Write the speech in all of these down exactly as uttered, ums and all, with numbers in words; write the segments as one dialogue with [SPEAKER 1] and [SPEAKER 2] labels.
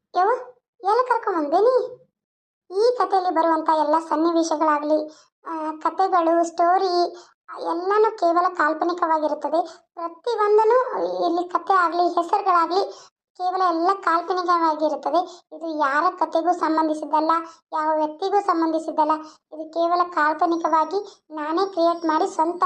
[SPEAKER 1] ಯವ್ವ ಎಲ್ಲ ಕರ್ಕೊಂಬಂದೇನಿ. ಈ ಕಥೆಯಲ್ಲಿ ಬರುವಂಥ ಎಲ್ಲ ಸನ್ನಿವೇಶಗಳಾಗಲಿ, ಕಥೆಗಳು, ಸ್ಟೋರಿ ಎಲ್ಲನೂ ಕೇವಲ ಕಾಲ್ಪನಿಕವಾಗಿರುತ್ತದೆ. ಪ್ರತಿಯೊಂದನ್ನು ಇಲ್ಲಿ ಕಥೆ ಆಗಲಿ, ಹೆಸರುಗಳಾಗಲಿ ಕೇವಲ ಎಲ್ಲ ಕಾಲ್ಪನಿಕವಾಗಿರುತ್ತದೆ. ಇದು ಯಾರ ಕಥೆಗೂ ಸಂಬಂಧಿಸಿದ್ದಲ್ಲ, ಯಾವ ವ್ಯಕ್ತಿಗೂ ಸಂಬಂಧಿಸಿದ್ದಲ್ಲ. ಇದು ಕೇವಲ ಕಾಲ್ಪನಿಕವಾಗಿ ನಾನೇ ಕ್ರಿಯೇಟ್ ಮಾಡಿ ಸ್ವಂತ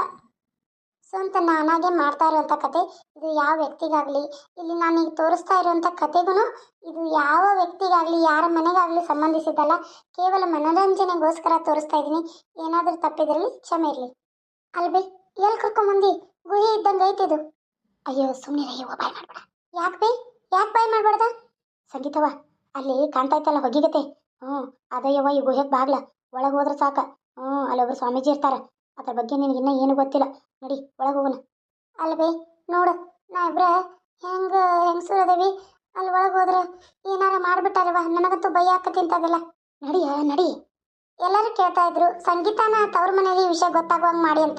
[SPEAKER 1] ಸ್ವಂತ ನಾನಾಗೆ ಮಾಡ್ತಾ ಇರುವಂಥ ಕತೆ. ಇದು ಯಾವ ವ್ಯಕ್ತಿಗಾಗಲಿ, ಇಲ್ಲಿ ನಾನೀಗ ತೋರಿಸ್ತಾ ಇರುವಂಥ ಕತೆಗೂ ಇದು ಯಾವ ವ್ಯಕ್ತಿಗಾಗಲಿ, ಯಾರ ಮನೆಗಾಗಲಿ ಸಂಬಂಧಿಸಿದ್ದಲ್ಲ. ಕೇವಲ ಮನೋರಂಜನೆಗೋಸ್ಕರ ತೋರಿಸ್ತಾ ಇದ್ದೀನಿ. ಏನಾದರೂ ತಪ್ಪಿದ್ರಲ್ಲಿ ಕ್ಷಮೆ ಇರಲಿ. ಅಲ್ಬೇ ಎಲ್ಲಿ ಕರ್ಕೊಂಬಂದು ಗುಹೆ ಇದ್ದಂಗೆ ಐತಿದು. ಅಯ್ಯೋ ಸುಮ್ಮನೆ ಅಯ್ಯೋ ಬಾಯ್ ಮಾಡ್ಬೇಡ. ಯಾಕೆ ಬೈ ಯಾಕೆ ಬಾಯ್ ಮಾಡ್ಬಾರ್ದ? ಸಂಗೀತವ ಅಲ್ಲಿ ಕಾಣ್ತಾ ಇತ್ತಲ್ಲ ಹೊಗಿಗತೆ, ಹ್ಞೂ ಅದಯ್ಯವ ಈ ಗುಹೆಗೆ ಬಾಗ್ಲ. ಒಳಗೆ ಹೋದ್ರೆ ಸಾಕ. ಹ್ಞೂ ಅಲ್ಲೊಬ್ರು ಸ್ವಾಮೀಜಿ ಇರ್ತಾರ. ಅದ್ರ ಬಗ್ಗೆ ನಿನಗೆ ಇನ್ನೂ ಏನು ಗೊತ್ತಿಲ್ಲ. ನಡಿ ಒಳಗೆ ಹೋಗೋಣ. ಅಲ್ಬೇ ನೋಡು, ನಾ ಇಬ್ರ ಹೆಂಗೆ ಹೆಂಗಸರು ಅದೇವಿ. ಅಲ್ಲಿ ಒಳಗೆ ಹೋದ್ರೆ ಏನಾರ ಮಾಡಿಬಿಟ್ಟಾರವ, ನನಗಂತೂ ಭಯ ಆಕತಿ ಅಂತದೆಲ್ಲ. ನಡಿಯ ನಡಿ. ಎಲ್ಲರೂ ಕೇಳ್ತಾ ಇದ್ರು ಸಂಗೀತನ ತವ್ರ ಮನೆಯಲ್ಲಿ ಈ ವಿಷಯ ಗೊತ್ತಾಗುವಂಗೆ ಮಾಡಿ ಅಂತ.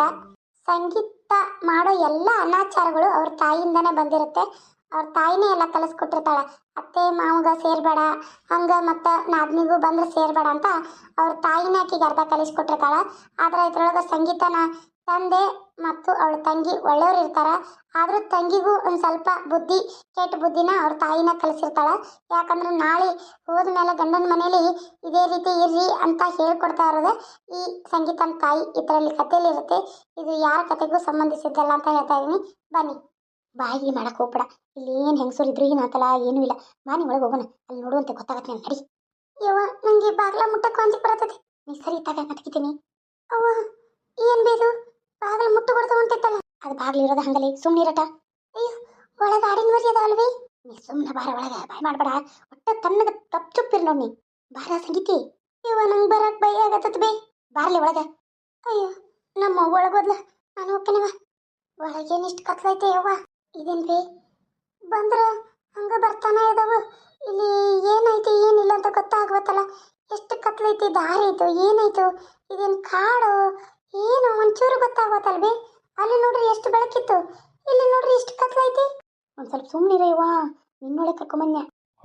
[SPEAKER 1] ಸಂಗೀತ ಮಾಡೋ ಎಲ್ಲ ಅನಾಚಾರಗಳು ಅವ್ರ ತಾಯಿಯಿಂದನೇ ಬಂದಿರುತ್ತೆ. ಅವ್ರ ತಾಯಿನೇ ಎಲ್ಲ ಕಲಿಸ್ಕೊಟ್ಟಿರ್ತಾಳೆ. ಅತ್ತೆ ಮಾವಗ ಸೇರ್ಬೇಡ, ಹಂಗ ಮತ್ತು ನಾದ್ನಿಗೂ ಬಂದ್ರೆ ಸೇರ್ಬೇಡ ಅಂತ ಅವ್ರ ತಾಯಿನೇ ಆಕಿಗೆ ಅರ್ಧ ಕಲಿಸ್ಕೊಟ್ಟಿರ್ತಾಳೆ. ಆದ್ರೆ ಇದ್ರೊಳಗೆ ಸಂಗೀತನ ತಂದೆ ಮತ್ತು ಅವಳ ತಂಗಿ ಒಳ್ಳೆಯವ್ರು ಇರ್ತಾರ. ಆದರೂ ತಂಗಿಗೂ ಒಂದು ಸ್ವಲ್ಪ ಬುದ್ಧಿ, ಕೆಟ್ಟ ಬುದ್ಧಿನ ಅವ್ರ ತಾಯಿನ ಕಲಿಸಿರ್ತಾಳೆ. ಯಾಕಂದ್ರೆ ನಾಳೆ ಹೋದ್ಮೇಲೆ ಗಂಡನ ಮನೇಲಿ ಇದೇ ರೀತಿ ಇರ್ರಿ ಅಂತ ಹೇಳ್ಕೊಡ್ತಾ ಇರೋದು ಈ ಸಂಗೀತನ ತಾಯಿ ಇದರಲ್ಲಿ ಕಥೆಯಲ್ಲಿ ಇರುತ್ತೆ. ಇದು ಯಾರ ಕತೆಗೂ ಸಂಬಂಧಿಸಿದ್ದಲ್ಲ ಅಂತ ಹೇಳ್ತಾ ಇದ್ದೀನಿ. ಬನ್ನಿ. ಬಾಯಿ ಮಾಡಕ್ಕೆ ಹೋಗ್ಬೇಡ. ಇಲ್ಲಿ ಏನು ಹೆಂಗಸೂರು ಇದ್ರು ಏನಾತಲ್ಲ, ಏನೂ ಇಲ್ಲ. ಬಾನಿ ಒಳಗೆ ಹೋಗೋಣ. ಅಲ್ಲಿ ನೋಡುವಂತೆ ಗೊತ್ತಾಗತ್ತೆ ನಾನು. ನಡಿ. ಯವ್ವ ನನಗೆ ಬಾಗ್ಲ ಮುಟ್ಟಕ್ಕೆ ಅಂಜಿಕೆ ಬರ್ತದೆ. ನೀ ಸರಿ ಇದ್ದಾಗ ಮತ್ಕಿತೀನಿ. ಅವ್ವ ಏನು ಬೇದು ಬಾಗಿಲು ಮುಟ್ಟು ಕೊಡ್ತಾ ಹೊಂಟಿತ್ತಲ್ಲ. ಅದು ಬಾಗಿಲು ಇರೋದು ಹಂಗಲಿ ಸುಮ್ಮನೆ ಇರಟ. ಅಯ್ಯೋ ಒಳಗೆ ಆಡಿನ ಮರಿ ಅದಾವಲ್ವೇ. ನೀ ಸುಮ್ಮನೆ ಬಾರ ಒಳಗೆ. ಬಾಯ್ ಮಾಡಬೇಡ. ಒಟ್ಟು ತನ್ನಗೆ ತಪ್ಪು ಚುಪ್ಪಿರ್ ನೋಡಿ. ನೀ ಬಾರ ಸಂಗೀತಿ. ಇವ ನಂಗೆ ಬರಕ್ಕೆ ಭಯ ಆಗತ್ತದ ಬೇ. ಬಾರ್ಲಿ ಒಳಗೆ. ಅಯ್ಯೋ ನಮ್ಮ ಒಳಗೋದ್ಲ, ನಾನು ಹೋಗ್ತೇನವ. ಒಳಗೇನಿಷ್ಟು ಕತ್ಲೈತೆ ಯವ್ವ. ಇದೇನು ಬೇ ಬಂದ್ರೆ ಹಂಗೆ ಬರ್ತಾನೆ ಇದಾವ. ಇಲ್ಲಿ ಏನಾಯ್ತು ಏನಿಲ್ಲ ಅಂತ ಗೊತ್ತಾಗ್ಬೇಕಲ್ಲ. ಎಷ್ಟು ಕತ್ಲೈತಿ, ದಾರಿ ಐತು, ಏನಾಯ್ತು, ಇದೇನು ಕಾಡು ಏನು ಒಂಚೂರು ಗೊತ್ತಾಗ್ಬೇಕಲ್ವೇ. ಅಲ್ಲಿ ನೋಡ್ರಿ ಎಷ್ಟು ಬೆಳಕಿತ್ತು, ಇಲ್ಲಿ ನೋಡ್ರಿ ಎಷ್ಟು ಕತ್ಲೈತಿ. ಒಂದು ಸ್ವಲ್ಪ ಸುಮ್ಮನಿರಯ್ಯವಾ, ನಿನ್ನೊಳೆ ಕರ್ಕೊಂಬನ್ಯ.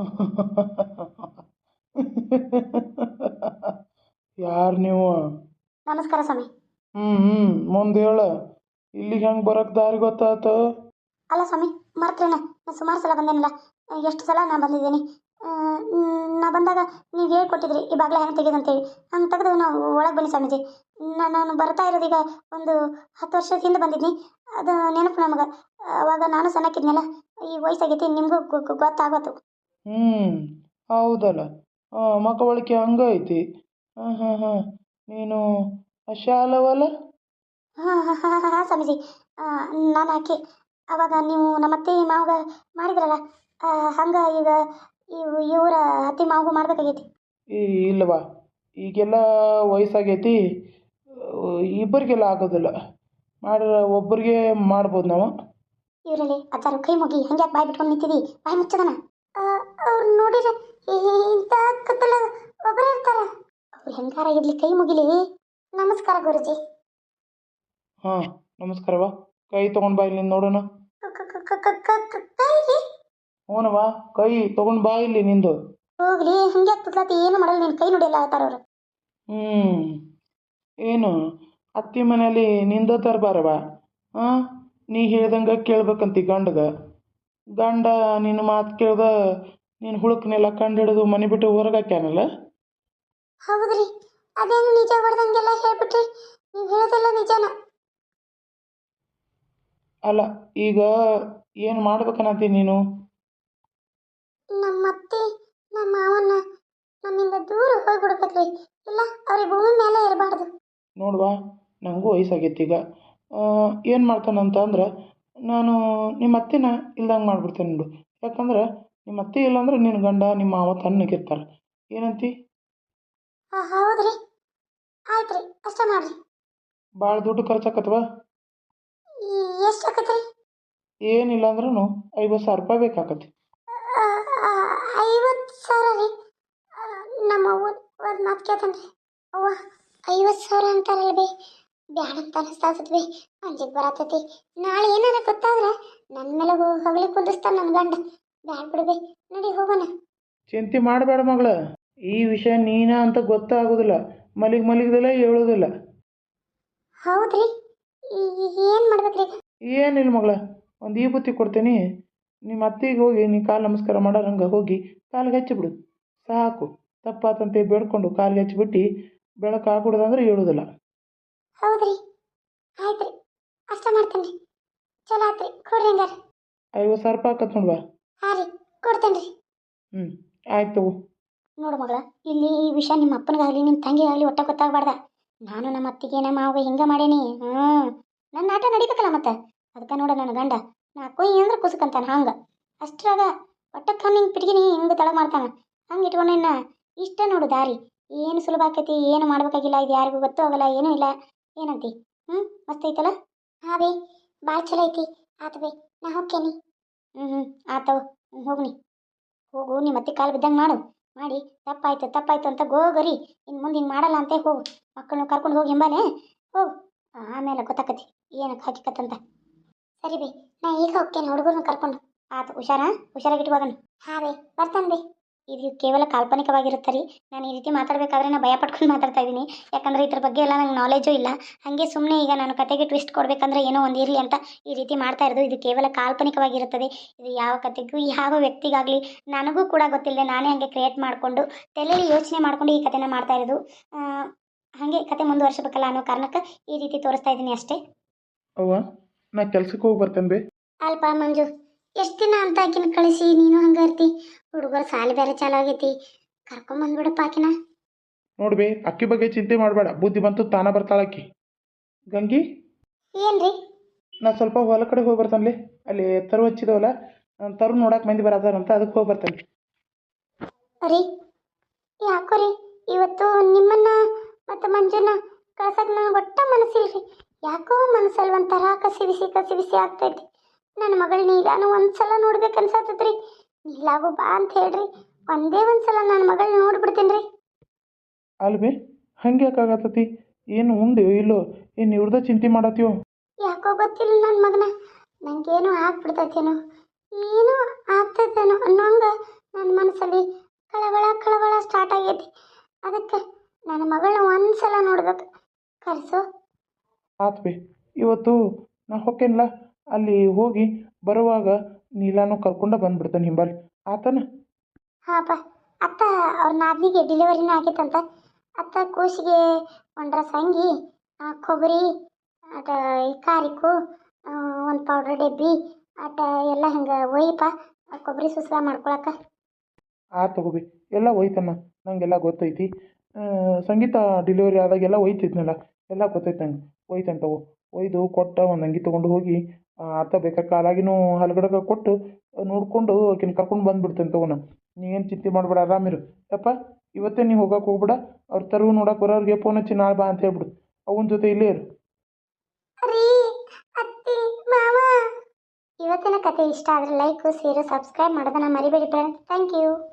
[SPEAKER 2] ಯಾರು ನೀವು?
[SPEAKER 1] ನಮಸ್ಕಾರ ಸ್ವಾಮಿ.
[SPEAKER 2] ಹ್ಞೂ ಹ್ಞೂ ಮುಂದೆ ಹೇಳ. ಇಲ್ಲಿಗೆ ಹೆಂಗೆ ಬರೋಕ್ಕೆ ದಾರಿ ಗೊತ್ತಾಯ್ತು?
[SPEAKER 1] ಅಲ್ಲ ಸ್ವಾಮಿ ಮರ್ತೇನೆ, ನಾನು ಸುಮಾರು ಸಲ ಬಂದೇನಲ್ಲ. ಎಷ್ಟು ಸಲ ನಾನು ಬಂದಿದ್ದೀನಿ. ನಾ ಬಂದಾಗ ನೀವು ಹೇಳ್ಕೊಟ್ಟಿದ್ರಿ ಈ ಬಾಗಿಲ ಹೆಂಗೆ ತೆಗೆದಂತೇಳಿ. ಹಂಗೆ ತೆಗೆದು ನಾವು ಒಳಗೆ ಬನ್ನಿ ಸ್ವಾಮೀಜಿ. ನಾನು ಬರ್ತಾ ಇರೋದೀಗ ಒಂದು ಹತ್ತು ವರ್ಷದ ಹಿಂದೆ ಬಂದಿದ್ನಿ. ಅದು ನೆನಪು ನಮಗೆ. ಅವಾಗ ನಾನು ಸಣ್ಣಕ್ಕಿದ್ನಲ್ಲ, ಈ ವಯಸ್ಸಾಗೈತಿ, ನಿಮಗೂ ಗೊತ್ತಾಗತ್ತು.
[SPEAKER 2] ಹ್ಞೂ ಹೌದಲ್ಲ. ಹಾಂ ಮಕ್ಕಳಿಕೆ ಹಂಗೈತಿ. ಹಾಂ ಹಾಂ ಹಾಂ ನೀನು ಶಾಲವಲ್ಲ?
[SPEAKER 1] ಹಾಂ ಹಾಂ ಹಾಂ ಹಾಂ ಸ್ವಾಮೀಜಿ, ನಾನು ಆಕೆ ಅವಾಗ ನೀವು ನಮ್ಮ ಅತ್ತೆ ಮಾವಾಗ ಮಾಡಿದ್ರಲ್ಲ, ಹಂಗೆ ಈಗ ಇವು ಇವರ ಅತ್ತೆ ಮಾವಗೂ ಮಾಡ್ಬೇಕಾಗೈತಿ.
[SPEAKER 2] ಈ ಇಲ್ಲವಾ, ಈಗೆಲ್ಲ ವಯಸ್ಸಾಗೈತಿ, ಇಬ್ಬರಿಗೆಲ್ಲ ಆಗೋದಿಲ್ಲ. ಮಾಡ್ರೆ ಒಬ್ಬರಿಗೆ ಮಾಡ್ಬೋದು ನಾವು.
[SPEAKER 1] ಇವರಲ್ಲಿ ಅಜ್ಜಾರು ಕೈ ಮುಗಿ ಹಂಗೆ ಬಾಯಿ ಬಿಟ್ಕೊಂಡು ನಿಂತಿದ್ದಿ, ಬಾಯಿ ಮುಚ್ಚದನ. ಅವ್ರು ನೋಡಿದ್ರೆ ಇಂಥ ಕತ್ತಲ ಒಬ್ಬರೇ ಇರ್ತಾರೆ. ಅವ್ರು ಹೆಂಗಾರ ಇರ್ಲಿ ಕೈ ಮುಗಿಲಿ. ನಮಸ್ಕಾರ ಗುರುಜಿ.
[SPEAKER 2] ಹಾಂ ನಮಸ್ಕಾರವಾ. ಕೈ ತೊಗೊಂಡು ಬಾ ಇಲ್ಲಿ ನೋಡೋಣ.
[SPEAKER 1] ಕೈ
[SPEAKER 2] ಹ್ಞೂನವಾ, ಕೈ ತೊಗೊಂಡು ಬಾ ಇಲ್ಲಿ ನಿಂದು.
[SPEAKER 1] ಹೋಗ್ಲಿ ಹಂಗೆ ಆಗ್ತದ್ಲತಿ, ಏನು ಮಾಡಲ್ಲ, ನೀನು ಕೈ ನೋಡಿಲ್ಲ ಆತಾರವ್ರು.
[SPEAKER 2] ಹ್ಞೂ ಏನು ಅತ್ತಿ ಮನೇಲಿ ನಿಂದ ತರಬಾರವ. ಹಾಂ ನೀ ಹೇಳ್ದಂಗೆ ಕೇಳ್ಬೇಕಂತಿ ಗಂಡಗ. ಗಂಡ ನಿನ್ನ ಮಾತು ಕೇಳ್ದ ನೀನು ಹುಳುಕನೆಲ್ಲ ಕಂಡು ಹಿಡಿದು ಮನೆ ಬಿಟ್ಟು ಹೊರಗೆ ಹಾಕ್ಯಾನಲ್ಲ.
[SPEAKER 1] ಹೌದ್ರಿ, ಅದೇನು ನಿಜ ಹೊಡೆದಂಗೆಲ್ಲ ಹೇಳ್ಬಿಟ್ರಿ. ನೀವು ಹೇಳೋದೆಲ್ಲ ನಿಜನ?
[SPEAKER 2] ಅಲ್ಲ ಈಗ ಏನು ಮಾಡ್ಬೇಕನ್ನತ್ತಿ ನೀನು?
[SPEAKER 1] ನಮ್ಮ ಅತ್ತೆ ನಮ್ಮ ಮಾವನ್ನ ನಮ್ಮಿಂದ ದೂರ ಹೋಗ್ಬಿಡ್ಬೇಕ್ರಿ. ಇಲ್ಲ ಅವ್ರಿಗೆ ಭೂಮಿ ಮೇಲೆ ಇರಬಾರ್ದು.
[SPEAKER 2] ನೋಡುವ, ನನಗೂ ವಯಸ್ಸಾಗೈತಿ ಈಗ. ಏನು ಮಾಡ್ತಾನಂತ ಅಂದ್ರೆ ನಾನು ನಿಮ್ಮ ಅತ್ತೆನ ಇಲ್ದಂಗೆ ಮಾಡಿಬಿಡ್ತೇನೆ ನೋಡು. ಯಾಕಂದ್ರೆ ನಿಮ್ಮ ಅತ್ತೆ ಇಲ್ಲಾಂದ್ರೆ ನಿನ್ನ ಗಂಡ ನಿಮ್ಮ ಮಾವ ತಣ್ಣಗಿರ್ತಾರೆ. ಏನಂತಿ?
[SPEAKER 1] ಹಾಂ ಹೌದ್ರಿ, ಆಯ್ತು ರೀ, ಅಷ್ಟೇ ಮಾಡಿರಿ.
[SPEAKER 2] ಭಾಳ ದುಡ್ಡು ಖರ್ಚಾಕತ್ವ?
[SPEAKER 1] ಎಷ್ಟು ಆಕತ್ರಿ?
[SPEAKER 2] ಏನಿಲ್ಲ ಅಂದ್ರೂ ಐವತ್ತು ಸಾವಿರ ರೂಪಾಯಿ ಬೇಕಾಕತಿ.
[SPEAKER 1] ಐವತ್ತು ಸಾವಿರ ರೀ? ನಮ್ಮ ಅವ್ವ ಒಂದು ಮಾತು ಕೇಳ್ತಾನೆ ರೀ. ಅವ್ವ ಐವತ್ತು ಸಾವಿರ ಅಂತಾರಲ್ಲ ಬೇ, ಬ್ಯಾಡ ಅಂತ ಅನಿಸ್ತಾಗ್ತದೆ ಬೇ, ಅಂಜಿಗೆ ಬರತೈತಿ. ನಾಳೆ ಏನಾರ ಗೊತ್ತಾದ್ರೆ ನನ್ನ ಮೇಲೆ ಹೋಗಿ ಹೊಗಳಿ ಕುದಿಸ್ತಾನೆ ನನ್ನ ಗಂಡ. ಬ್ಯಾಡ ಬಿಡು ಬೇ, ನಡಿ ಹೋಗೋಣ.
[SPEAKER 2] ಚಿಂತೆ ಮಾಡಬೇಡ ಮಗಳ. ಈ ವಿಷಯ ನೀನ ಅಂತ ಗೊತ್ತಾಗೋದಿಲ್ಲ. ಮಲಿಗ್ ಮಲಿಗ್ದಲ್ಲ ಹೇಳೋದಿಲ್ಲ.
[SPEAKER 1] ಹೌದ್ರಿ ಏನು ಮಾಡ್ಬೇಕ್ರಿ ಈಗ?
[SPEAKER 2] ಏನಿಲ್ಲ ಮಗಳ, ಒಂದು ಈ ಬುತ್ತಿ ಕೊಡ್ತೇನೆ. ನಿಮ್ಮ ಅತ್ತಿಗೆ ಹೋಗಿ ನೀ ಕಾಲು ನಮಸ್ಕಾರ ಮಾಡೋರಂಗೆ ಹೋಗಿ ಕಾಲಿಗೆ ಹಚ್ಚಿಬಿಡು ಸಾಕು. ತಪ್ಪಾತಂತೆ ಬೇಡ್ಕೊಂಡು ಕಾಲಿಗೆ ಹಚ್ಚಿಬಿಟ್ಟು ಬೆಳಕು ಹಾಕ್ಬಿಡೋದಂದ್ರೆ ಹೇಳೋದಿಲ್ಲ.
[SPEAKER 1] ಹೌದ್ರಿ, ಆಯ್ತು ರೀ, ಅಷ್ಟ ಮಾಡ್ತೇನೆ ರೀ. ಚಲೋ ಆತ್ರಿ, ಕೊಡ್ರಿ ಹಂಗಾರೆ.
[SPEAKER 2] ಐವತ್ತು ಸಾವಿರ ರೂಪಾಯಿ ಆಕತ್ ನೋಡ್ವಾ.
[SPEAKER 1] ಹಾಂ ರೀ, ಕೊಡ್ತೇನೆ ರೀ.
[SPEAKER 2] ಹ್ಞೂ ಆಯ್ತು ತಗೋ.
[SPEAKER 1] ನೋಡು ಮಗಳ, ಇಲ್ಲಿ ಈ ವಿಷಯ ನಿಮ್ಮ ಅಪ್ಪನಿಗಾಗಲಿ ನಿಮ್ಮ ತಂಗಿಗಾಗಲಿ ಒಟ್ಟ ಗೊತ್ತಾಗಬಾರ್ದ. ನಾನು ನಮ್ಮ ಅತ್ತಿಗೆ ನಮ್ಮ ಮಾವಿಗೆ ಹಿಂಗೆ ಮಾಡೇನಿ. ಹ್ಞೂ ನನ್ನ ಆಟ ನಡಿಬೇಕಲ್ಲ ಮತ್ತೆ. ಅದಕ್ಕೆ ನೋಡ ನನ್ನ ಗಂಡ ನಾ ಕೊಯ್ ಅಂದ್ರೆ ಕುಸುಕಂತಾನೆ ಹಂಗೆ. ಅಷ್ಟ್ರಾಗ ಒಟ್ಟಕ್ಕೆ ಹಿಂಗೆ ಪಿಟಿಗಿನಿ ಹಿಂಗೆ ತಳ ಮಾಡ್ತಾನೆ. ಹಂಗೆ ಇಟ್ಕೊಂಡೇನ ಇಷ್ಟ ನೋಡು ದಾರಿ. ಏನು ಸುಲಭ ಆಕೈತಿ, ಏನು ಮಾಡ್ಬೇಕಾಗಿಲ್ಲ. ಇದು ಯಾರಿಗೂ ಗೊತ್ತೂ ಆಗಲ್ಲ, ಏನೂ ಇಲ್ಲ. ಏನಂತಿ? ಹ್ಞೂ ಮಸ್ತ್ ಐತಲ್ಲ? ಹಾಂ ಬೇ, ಭಾಳ ಚಲೋ ಐತಿ. ಆತು ಬೇ, ನಾ ಹೋಗ್ತೇನೆ. ಹ್ಞೂ ಹ್ಞೂ ಆತವ, ಹೋಗ್ನಿ ಹೋಗು. ನಿಮ್ಮ ಅತ್ತಿ ಕಾಲು ಬಿದ್ದಂಗೆ ಮಾಡು. ಮಾಡಿ ತಪ್ಪಾಯ್ತು ತಪ್ಪಾಯ್ತು ಅಂತ ಗೋಗರಿ. ಇನ್ನು ಮುಂದೆ ಹಿಂಗೆ ಮಾಡಲ್ಲ ಅಂತ ಹೋಗು. ಮಕ್ಕಳನ್ನ ಕರ್ಕೊಂಡು ಹೋಗಿ ಎಂಬಾನೆ ಹೋಗು. ಆಮೇಲೆ ಗೊತ್ತಾಕತಿ ಏನಕ್ಕೆ ಹಾಕಿಕತ್ತಂತ. ಸರಿ ಬೇ, ನಾ ಈಗ ಹೋಗ್ತೇನೆ ಹುಡುಗರನ್ನ ಕರ್ಕೊಂಡು. ಆತು, ಹುಷಾರಾ ಹುಷಾರಾಗಿಟ್ಟು ಹೋಗೋಣ. ಹಾಂ ಬೇ, ಬರ್ತಾನೆ ಬೇ. ಇದು ಕೇವಲ ಕಾಲ್ಪನಿಕವಾಗಿರುತ್ತೆ ರೀ. ನಾನು ಈ ರೀತಿ ಮಾತಾಡಬೇಕಾದ್ರೆ ನಾನು ಭಯ ಪಟ್ಕೊಂಡು ಮಾತಾಡ್ತಾ ಇದ್ದೀನಿ. ಯಾಕಂದರೆ ಇದ್ರ ಬಗ್ಗೆ ಎಲ್ಲ ನಂಗೆ ನಾಲೆಜು ಇಲ್ಲ. ಹಾಗೆ ಸುಮ್ಮನೆ ಈಗ ನಾನು ಕತೆಗೆ ಟ್ವಿಸ್ಟ್ ಕೊಡಬೇಕಂದ್ರೆ ಏನೋ ಒಂದು ಇರಲಿ ಅಂತ ಈ ರೀತಿ ಮಾಡ್ತಾ ಇರೋದು. ಇದು ಕೇವಲ ಕಾಲ್ಪನಿಕವಾಗಿರುತ್ತದೆ. ಇದು ಯಾವ ಕತೆಗೂ ಯಾವ ವ್ಯಕ್ತಿಗಾಗಲಿ ನನಗೂ ಕೂಡ ಗೊತ್ತಿಲ್ಲದೆ ನಾನೇ ಹಾಗೆ ಕ್ರಿಯೇಟ್ ಮಾಡಿಕೊಂಡು ತಲೆಯಲ್ಲಿ ಯೋಚನೆ ಮಾಡಿಕೊಂಡು ಈ ಕತೆನ ಮಾಡ್ತಾ ಇರೋದು. ಹಾಗೆ ಕತೆ ಮುಂದುವರ್ಸಬೇಕಲ್ಲ ಅನ್ನೋ ಕಾರಣಕ್ಕೆ ಈ ರೀತಿ ತೋರಿಸ್ತಾ ಇದ್ದೀನಿ ಅಷ್ಟೇ.
[SPEAKER 2] ಅವ್ವ, ನಾ ಕೆಲ್ಸಕ್ಕೆ ಹೋಗಿ ಬರ್ತೇನೆ ಬೇ.
[SPEAKER 1] ಅಲ್ಪ ಮಂಜು, ಎಷ್ಟು ದಿನ ಅಂತ ಆಕಿನ ಕಳಿಸಿ ನೀನು ಹಂಗೆ ಇರ್ತಿ. ಹುಡುಗರು ಸಾಲಿ ಬೇರೆ ಚಾಲು ಆಗೈತಿ, ಕರ್ಕೊಂಬಂದ್ಬಿಡಪ್ಪ ಆಕಿನ.
[SPEAKER 2] ನೋಡ್ಬೇ, ಅಕ್ಕಿ ಬಗ್ಗೆ ಚಿಂತೆ ಮಾಡಬೇಡ. ಬುದ್ಧಿ ಬಂತು ತಾನ ಬರ್ತಾಳಕ್ಕಿ. ಗಂಗಿ,
[SPEAKER 1] ಏನ್ರಿ?
[SPEAKER 2] ನಾ ಸ್ವಲ್ಪ ಹೊಲ ಕಡೆ ಹೋಗಿ ಬರ್ತಾನೆ. ಅಲ್ಲಿ ತರು ಹಚ್ಚಿದವಲ್ಲ, ತರು ನೋಡಕ್ಕೆ ಮಂದಿ ಬರತ್ತಾರಂತ, ಅದಕ್ಕೆ ಹೋಗಿ ಬರ್ತಾನೆ.
[SPEAKER 1] ರೀ ಯಾಕೋ ರೀ ಇವತ್ತು ನಿಮ್ಮನ್ನ ಮತ್ತು ಮಂಜುನ ಕಳ್ಸಕ್ಕೆ ನನಗೆ ಒಟ್ಟ ಮನಸ್ಸಿಲ್ರಿ. ಯಾಕೋ ಮನಸ್ಸಲ್ಲಿ ಒಂಥರ ಕಸಿ ಬಿಸಿ ಕಸಿ ಬಿಸಿ ಆಗ್ತೈತಿ. ನನ್ನ ಮಗಳನ್ನ ಈಗಾನು ಒಂದು ಸಲ ನೋಡ್ಬೇಕು ಅನ್ಸತ್ತದ್ರಿ. ಇಲ್ಲಾಗು ಬಾ ಅಂತ ಹೇಳ್ರಿ, ಒಂದೇ ಒಂದು ಸಲ ನನ್ನ ಮಗಳನ್ನ ನೋಡ್ಬಿಡ್ತೀನಿ ರೀ.
[SPEAKER 2] ಅಲ್ವೇ, ಹಂಗೆ ಯಾಕಾಗತ್ತತಿ? ಏನು ಉಂಡು ಇಲ್ಲೋ? ಏನು ಇವ್ರದ ಚಿಂತೆ ಮಾಡತ್ತೀವೋ?
[SPEAKER 1] ಯಾಕೋ ಗೊತ್ತಿಲ್ಲ ನನ್ನ ಮಗನ, ನನಗೇನು ಆಗ್ಬಿಡ್ತೈತೇನೋ, ಏನೋ ಆಗ್ತೈತೇನೋ ಅನ್ನೋಂಗೆ ನನ್ನ ಮನಸ್ಸಲ್ಲಿ ಕಳವಳ ಕಳವಳ ಸ್ಟಾರ್ಟ್ ಆಗೈತಿ. ಅದಕ್ಕೆ ನನ್ನ ಮಗಳನ್ನ ಒಂದು ಸಲ ನೋಡ್ಬೇಕು, ಕರೆಸು.
[SPEAKER 2] ಆತ್ ಬೇ, ಇವತ್ತು ನಾ ಹೊಕ್ಕೇನಲ್ಲ, ಅಲ್ಲಿ ಹೋಗಿ ಬರುವಾಗ ನೀಲಾನು ಕರ್ಕೊಂಡ ಬಂದ್ಬಿಡ್ತಾನೆ ಹಿಂಬಾಲಿ. ಆತನ?
[SPEAKER 1] ಹಾಂಪ್ಪ, ಅತ್ತ ಅವ್ರ ನಾದಿನಿಗೆ ಡೆಲಿವರಿನೂ ಆಗೈತಂತ. ಅತ್ತ ಕೂಸಿಗೆ ಒಂಡ್ರ ಸಂಗಿ, ಕೊಬ್ಬರಿ ಆಟ ಈ ಕಾರಿಕು ಒಂದು ಪೌಡ್ರ್ ಡಬ್ಬಿ ಆಟ ಎಲ್ಲ ಹಿಂಗೆ ಒಯ್ಯಪ್ಪ, ಕೊಬ್ಬರಿ ಸುಸ್ಲ ಮಾಡ್ಕೊಳಕ.
[SPEAKER 2] ಆತ್ ತಗೋಬಿ, ಎಲ್ಲ ಒಯ್ತಮ್ಮ, ನಂಗೆಲ್ಲ ಗೊತ್ತೈತಿ. ಸಂಗೀತ ಡೆಲಿವರಿ ಆದಾಗೆಲ್ಲ ಒಯ್ತಿದ್ನಲ್ಲ, ಎಲ್ಲ ಗೊತ್ತೈತೆ ನಂಗೆ. ಒಯ್ತಾನೆ ತಗೋ. ಒಯ್ದು ಕೊಟ್ಟ ಒಂದು ಅಂಗಿ ತೊಗೊಂಡು ಹೋಗಿ ಆತ ಬೇಕಾದ ಕಾಲಾಗಿನೂ ಹಲ್ಗಡಗ ಕೊಟ್ಟು ನೋಡಿಕೊಂಡು ಆಕಿನ ಕರ್ಕೊಂಡು ಬಂದುಬಿಡ್ತೇನೆ ತಗೋ. ನಾನು ನೀ ಏನು ಚಿಂತೆ ಮಾಡಬೇಡ, ಆರಾಮಿರು ಯಪ್ಪ. ಇವತ್ತೇ ನೀವು ಹೋಗಕ್ಕೆ ಹೋಗ್ಬೇಡ. ಅವ್ರ ತರು ನೋಡಕ್ಕೆ ಬರೋರಿಗೆ ಫೋನ್ ಹಚ್ಚಿ ನಾಳೆ ಬಾ ಅಂತ ಹೇಳ್ಬಿಡು. ಅವನ ಜೊತೆ ಇಲ್ಲೇ ಇರು.
[SPEAKER 1] ರೀ ಅತ್ತಿ ಮಾವ, ಇವತ್ತಿನ ಕತೆ ಇಷ್ಟ ಆದರೆ ಲೈಕ್ ಶೇರು ಸಬ್ಸ್ಕ್ರೈಬ್ ಮಾಡೋದನ್ನ ಮರಿಬೇಡಿ ಫ್ರೆಂಡ್ಸ್. Thank you.